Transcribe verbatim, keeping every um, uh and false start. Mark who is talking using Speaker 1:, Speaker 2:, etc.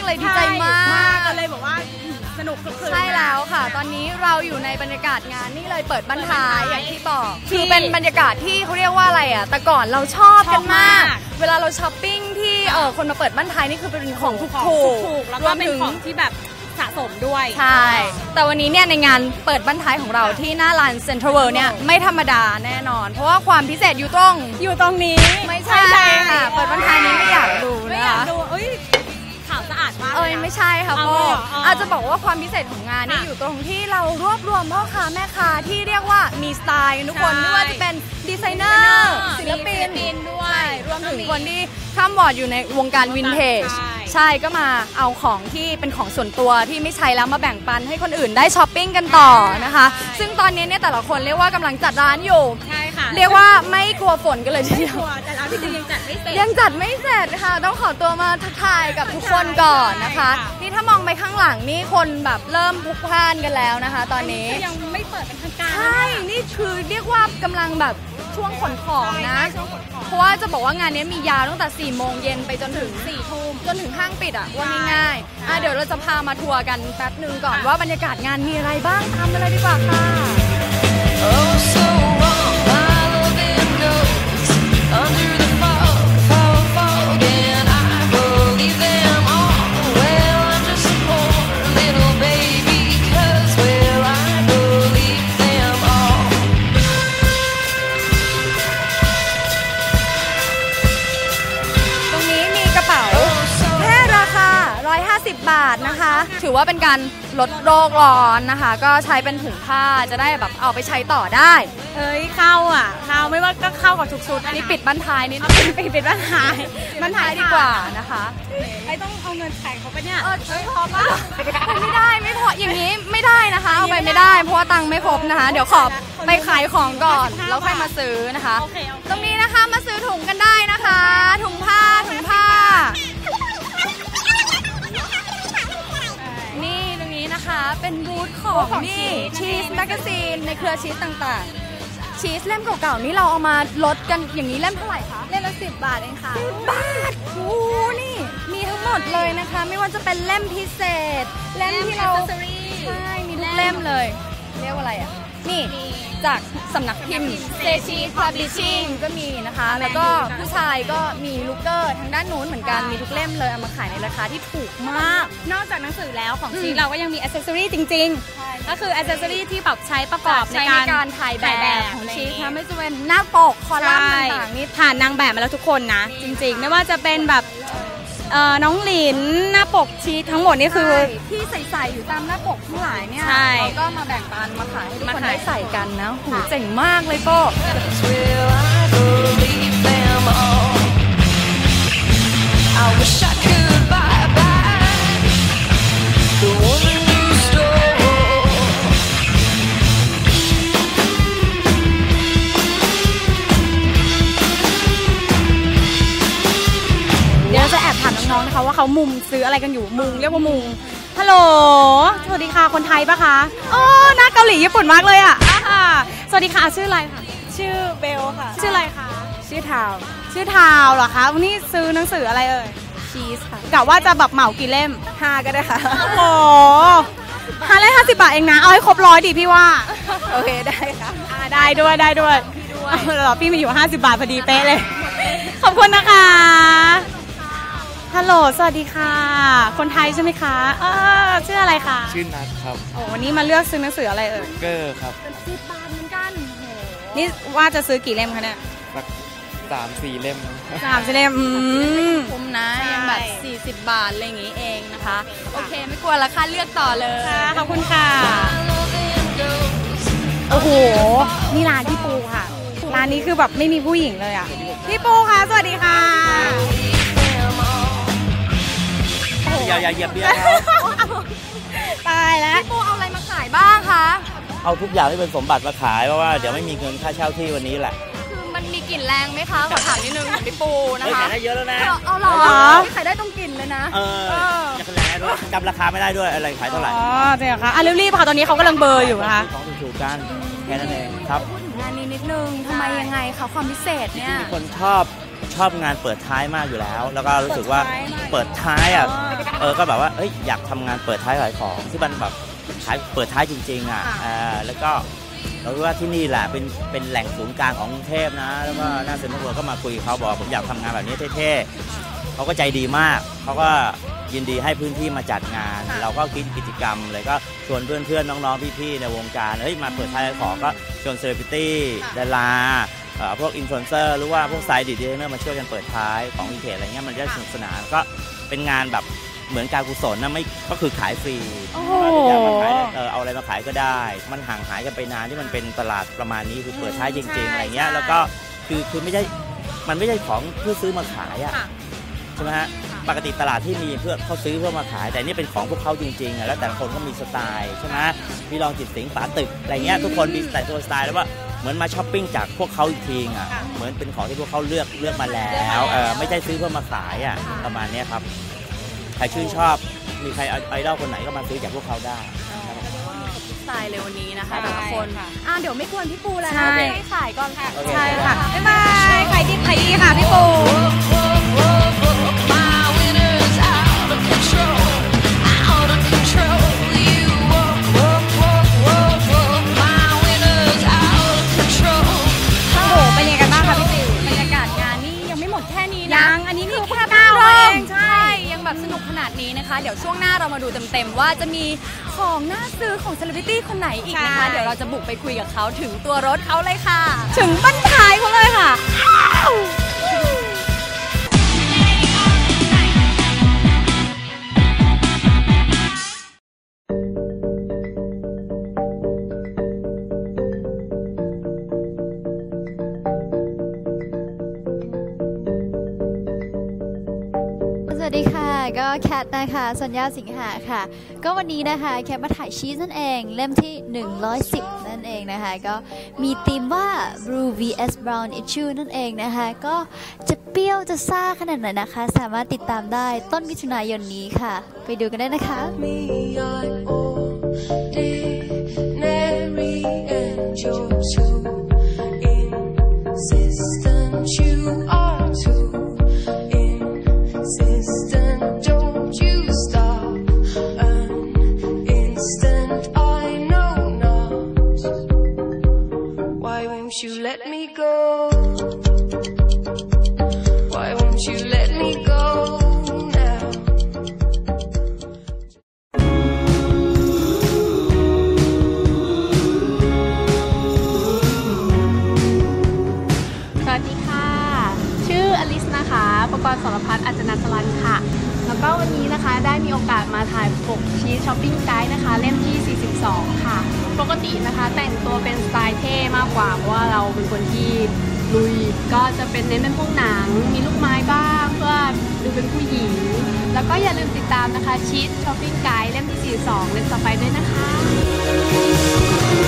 Speaker 1: เลยดีใจมาก
Speaker 2: ก็เลยบอกว่าสนุกคึกคืน
Speaker 1: ใช่แล้วค่ะตอนนี้เราอยู่ในบรรยากาศงานนี่เลยเปิดบรรทายอย่างที่บอกคือเป็นบรรยากาศที่เขาเรียกว่าอะไรอ่ะแต่ก่อนเราชอบกันมากเวลาเราช้อปปิ้งที่เออคนมาเปิดบรรทายนี่คือเป็นของถูกๆ
Speaker 2: แล้วก็เป็นของที่แบบสะสมด้วย
Speaker 1: ใช่แต่วันนี้เนี่ยในงานเปิดบรรทายของเราที่หน้าลานเซ็นทรัลเวิลด์เนี่ยไม่ธรรมดาแน่นอนเพราะว่าความพิเศษอยู่ตรง
Speaker 2: อยู่ตรงนี้
Speaker 1: ไม่ใช่ค่ะเปิดบรรทายนี้ไม่อยากดู
Speaker 2: ไม่อยากดูเอ้ยขาวสะอาดมาก
Speaker 1: เอ้ยไม่ใช่ค่ะพ่ออาจจะบอกว่าความพิเศษของงานนี่อยู่ตรงที่เรารวบรวมพ่อค้าแม่ค้าที่เรียกว่ามีสไตล์ทุกคนไม่ว่าจะเป็นดีไซเนอร์ศิลปินด้วยรวมถึงคนที่ข้ามวอร์ดอยู่ในวงการวินเทจใช่ก็มาเอาของที่เป็นของส่วนตัวที่ไม่ใช้แล้วมาแบ่งปันให้คนอื่นได้ช้อปปิ้งกันต่อนะคะซึ่งตอนนี้เนี่ยแต่ละคนเรียกว่ากำลังจัดร้านอยู่
Speaker 2: ใช่ค่ะ
Speaker 1: เรียกว่าไม่กลัวฝนกันเลยทีเดียว
Speaker 2: แต่ร้านพี่จินยังจัดไม่เสร็จ
Speaker 1: ยังจัดไม่เสร็จค่ะต้องขอตัวมาทักทายกับทุกคนก่อนนะคะนี่ถ้ามองไปข้างหลังนี่คนแบบเริ่มพลุกพล่านกันแล้วนะคะตอนนี้
Speaker 2: ยังไม่เปิดเป็นทางการ
Speaker 1: ใช่นี่คือเรียกว่ากำลังแบบช่วงขนของนะเพราะว่าจะบอกว่างานนี้มียาวตั้งแต่สี่โมงเย็นไปจนถึงสี่ทุ่มจนถึงห้างปิดอ่ะว่าง่ายๆอ่ะเดี๋ยวเราจะพามาทัวร์กันแป๊บนึงก่อนว่าบรรยากาศงานมีอะไรบ้างทำอะไรดีกว่าค่ะบาทนะคะถือว่าเป็นการลดโรคร้อนนะคะก็ใช้เป็นถุงผ้าจะได้แบบเอาไปใช้ต่อได้
Speaker 2: เอ้ยเข้าอ่ะเข้าไม่ว่าก็เข้ากับทุกชุด
Speaker 1: อันนี้ปิดบรรทายนิด
Speaker 2: ปิดปิดบรรทาย
Speaker 1: บรรทายดีกว่านะคะ
Speaker 2: ไอ้ต้องเอาเงินแข่งเขาไปเนี่ย
Speaker 1: เออพอป่ะไม่ได้ไม่พออย่างนี้ไม่ได้นะคะเอาไปไม่ได้เพราะว่าตังค์ไม่ครบนะคะเดี๋ยวขอไปขายของก่อนแล้วค่อยมาซื้อนะคะตรงนี้นะคะมาซื้อถุงกันได้นะคะถุงผ้าถุงผ้านี่ตรงนี้นะคะเป็นบูธของนี่ชีสแมกกาซีนในเครือชีสต่างๆชีสเล่มเก่าๆนี่เราเอามาลดกันอย่างนี้เล่มเท่าไหร่คะ
Speaker 2: เล่มละสิบบาทเองค่ะ
Speaker 1: สิบบาทโอ้นี่มีทั้งหมดเลยนะคะไม่ว่าจะเป็นเล่มพิเศษเล่มที่เราใช่มีทุกเล่มเลยเรียกว่าอะไรอ่ะนี่จากสำนักพิมพ์เซชีพาบลิชชิ่งก็มีนะคะแล้วก็ผู้ชายก็มีลูกเกอร์ทางด้านนู้นเหมือนกันมีทุกเล่มเลยเอามาขายในราคาที่ถูกมาก
Speaker 2: นอกจากหนังสือแล้วของชีเราก็ยังมีอ c เซสซอรี่จริงๆก็คืออ c เซสซอรี่ที่แบบใช้ประกอบใน
Speaker 1: การถ่ายแบบของชีนะไม่จะเป็นหน้าปกคอลัมน์ต่างๆนี่
Speaker 2: ผ่านนางแบบมาแล้วทุกคนนะจริงๆไม่ว่าจะเป็นแบบน้องหลินหน้าปกชีทั้งหมดนี่คือ
Speaker 1: ที่ใส่ๆอยู่ตามหน้าปกทั้งหลายเนี่ยเราก็มาแบ่งปันมาขายให้ทุกคนได้ใส่กันนะหูเจ๋งมากเลยโป้
Speaker 2: น้องๆนะคะว่าเขามุมซื้ออะไรกันอยู่มุงเรียกว่ามุงฮัลโหลสวัสดีค่ะคนไทยปะคะอ๋อหน้าเกาหลีญี่ปุ่นมากเลยอ่ะสวัสดีค่ะชื่ออะไรคะ
Speaker 3: ชื่อเบลค่ะ
Speaker 2: ชื่ออะไรคะ
Speaker 3: ชื่อทาว
Speaker 2: ชื่อทาวเหรอคะวันนี้ซื้อหนังสืออะไรเอ่ย
Speaker 3: ชีสค่ะ
Speaker 2: กะว่าจะแบบเหมากี่เล่ม
Speaker 3: ห้าก็ได้ค่ะ
Speaker 2: โอ้ห้าเล่มห้าสิบบาทเองนะเอาให้ครบร้อยดิพี่ว่า
Speaker 3: โอเคได้ค่ะ
Speaker 2: ได้ด้วยได้ด้วยเหรอพี่มีอยู่ห้าสิบบาทพอดีเป๊ะเลยขอบคุณนะคะฮัลโหลสวัสดีค่ะคนไทยใช่ไหมคะเออชื่ออะไรคะ
Speaker 4: ชื่อนัทครับ
Speaker 2: โอ้วันนี้มาเลือกซื้อหนังสืออะไรเอ่ย
Speaker 4: เกอร์ครับ
Speaker 1: สิบบาทเหมือนกัน
Speaker 2: นี่ว่าจะซื้อกี่เล่มคะเนี่ย
Speaker 4: สามสี่เล่ม
Speaker 2: สามสี่เล่ม
Speaker 1: คุ้มนะยังแบบสี่สิบบาทอะไรอย่างงี้เองนะคะโอเคไม่กลัวราคาเลือกต่อเลย
Speaker 2: ขอบคุณค่ะโอ้โหนี่ร้านพี่ปูค่ะร้านนี้คือแบบไม่มีผู้หญิงเลยอ่ะพี่ปูค่ะสวัสดีค่ะ
Speaker 4: อย่าอย่าเหยียบเบี้ย
Speaker 2: ตายแล้ว
Speaker 1: พี่ปูเอาอะไรมาขายบ้างคะ
Speaker 4: เอาทุกอย่างที่เป็นสมบัติมาขายเพราะว่าเดี๋ยวไม่มีเงินค่าเช่าที่วันนี้แหละ
Speaker 1: คือมันมีกลิ่นแรงไหมคะขอถามนิดนึงพี่ปูนะคะ
Speaker 4: ขายได้เยอะแล้วนะ
Speaker 1: เอาหรอขายได้ตรงกลิ่นเลยนะ
Speaker 4: เอออย่าแรงด้วยจำราคาไม่ได้ด้วยอะไรขายเท่าไหร่
Speaker 2: อ๋อจริงเหรอคะอ่ะรีบๆค่ะตอนนี้เขากำลังเบอร์อยู่นะคะ
Speaker 4: ของถูกๆกันแค่นั้นเองครับ
Speaker 1: พูดถึงงานนี้นิดนึงทำไมยังไงคะความพิเศษเนี่ย
Speaker 4: มีคนชอบชชอบงานเปิดท้ายมากอยู่แล้ว แล้วก็รู้สึกว่าเปิดท้ายอ่ะเออก็แบบว่าเอ้ยอยากทำงานเปิดท้ายขายของที่มันแบบขายเปิดท้ายจริงๆอ่ะอ่าแล้วก็เรารู้ว่าที่นี่แหละเป็นเป็นแหล่งศูนย์กลางของกรุงเทพนะแล้วก็หน้าเซ็นทรัลเวิลด์ก็มาคุยกับเขาบอกผมอยากทำงานแบบนี้เท่ๆเขาก็ใจดีมากเขาก็ยินดีให้พื้นที่มาจัดงานเราก็คิดกิจกรรมเลยก็ชวนเพื่อนๆน้องๆพี่ๆในวงการเฮ้ยมาเปิดท้ายขายของก็ชวนเซเลบริตี้ดาราพวกอินฟลูเอนเซอร์หรือว่าพวกไซด์ดีไซเนอร์มาช่วยกันเปิดท้ายของวินเทจอะไรเงี้ยมันจะสนุกสนานก็เป็นงานแบบเหมือนการกุศลนะไม่ก็คือขายฟรีอยากมาขายเออเอาอะไรมาขายก็ได้มันห่างหายกันไปนานที่มันเป็นตลาดประมาณนี้คือเปิดท้ายจริงๆอะไรเงี้ยแล้วก็คือคือไม่ใช่มันไม่ใช่ของเพื่อซื้อมาขายอ่ะใช่ไหมฮะปกติตลาดที่มีเพื่อเขาซื้อเพื่อมาขายแต่นี่เป็นของพวกเขาจริงๆอ่ะแล้วแต่ละคนก็มีสไตล์ใช่ไหมพี่ลองจิตสิงป๋าตึกอะไรเงี้ยทุกคนมีแต่ตัวสไตล์แล้วว่าเหมือนมาช้อปปิ้งจากพวกเขาอีกทีอ่ะเหมือนเป็นของที่พวกเขาเลือกเลือกมาแล้วเออไม่ใช่ซื้อเพื่อมาขายอ่ะประมาณนี้ครับใครชื่นชอบมีใครไอดอลคนไหนก็มาซื้อจากพวกเขาได้
Speaker 1: สไตล์เลยวันนี้นะคะแต่ละคนอ่าเดี๋ยวไม่ควรพี่ปูแล้วนะให้ขายก่อนค่ะ
Speaker 2: ใช่ค่ะบ๊ายบายขายดีขายดีค่ะพี่ปู
Speaker 1: แบบสนุกขนาดนี้นะคะเดี๋ยวช่วงหน้าเรามาดูเต็มๆว่าจะมีของน่าซื้อของเซเลบริตี้คนไหนอีกนะคะเดี๋ยวเราจะบุกไปคุยกับเขาถึงตัวรถเขาเลยค่ะ
Speaker 2: ถึงบ้านท้ายเขาเลยค่ะ
Speaker 5: สวัสดีค่ะก็แคทนะคะสัญญาสิงหาค่ะก็วันนี้นะคะแคทมาถ่ายชีสนั่นเองเล่มที่หนึ่งร้อยสิบนั่นเองนะคะก็มีธีมว่า Blue วี เอส Brown Issue นั่นเองนะคะก็จะเปรี้ยวจะซ่าขนาดไหนนะคะสามารถติดตามได้ต้นมิถุนายนนี้ค่ะไปดูกันได้นะคะ
Speaker 6: You let me go. Why won't you let me go now?
Speaker 7: สวัสดีค่ะชื่ออลิสนะคะประกรณ์สรพัฒน์อัจจนาสลันค่ะแล้วก็วันนี้นะคะได้มีโอกาสมาถ่ายปกชีสช้อปปิ้งไกด์นะคะเล่มที่สี่สิบสองค่ะปกตินะคะแต่งตัวเป็นสไตล์เท่มากกว่าเพราะว่าเราเป็นคนที่ลุยก็จะเป็นเน้นเป็นพวกหนังมีลูกไม้บ้างเพื่อดูเป็นผู้หญิงแล้วก็อย่าลืมติดตามนะคะชีสช้อปปิ้งไกด์เล่มที่สี่สิบสองเล่มต่อไปด้วยนะคะ